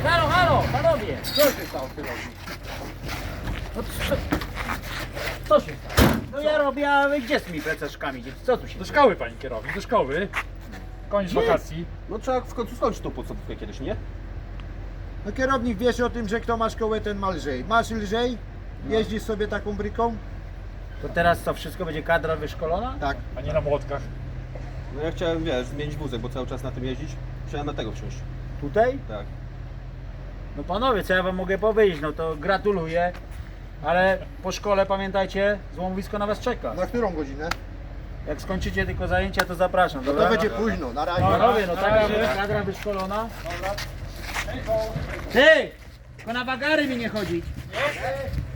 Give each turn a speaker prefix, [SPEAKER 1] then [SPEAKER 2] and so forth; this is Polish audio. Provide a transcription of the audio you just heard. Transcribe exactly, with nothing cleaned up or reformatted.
[SPEAKER 1] Halo, halo, panowie!
[SPEAKER 2] Co się stało w kierowni?
[SPEAKER 1] No co, co się stało? No ja robię, a wy gdzie z tymi plececzkami? Co tu się
[SPEAKER 3] Do
[SPEAKER 1] dzieje?
[SPEAKER 3] szkoły, panie kierownik, do szkoły. Koniec
[SPEAKER 2] Nie.
[SPEAKER 3] wakacji.
[SPEAKER 2] No trzeba w końcu skończyć tą podstawówkę kiedyś, nie?
[SPEAKER 4] No kierownik wiesz o tym, że kto ma szkołę, ten ma lżej. Masz lżej? Jeździsz sobie taką bryką?
[SPEAKER 1] To teraz co, wszystko będzie kadra wyszkolona?
[SPEAKER 4] Tak.
[SPEAKER 3] A nie na młotkach.
[SPEAKER 2] No ja chciałem, wiesz, zmienić wózek, bo cały czas na tym jeździć. Chciałem na tego wsiąść.
[SPEAKER 1] Tutaj?
[SPEAKER 2] Tak.
[SPEAKER 1] No panowie, co ja wam mogę powiedzieć? No to gratuluję. Ale po szkole pamiętajcie, złomowisko na was czeka.
[SPEAKER 4] Na którą godzinę?
[SPEAKER 1] Jak skończycie tylko zajęcia, to zapraszam,
[SPEAKER 4] No
[SPEAKER 1] dobra?
[SPEAKER 4] to będzie późno, na razie.
[SPEAKER 1] Panowie, no
[SPEAKER 3] Na
[SPEAKER 1] tak,
[SPEAKER 3] razie.
[SPEAKER 1] że kadra wyszkolona. Ty! Tylko na wagary mi nie chodzić.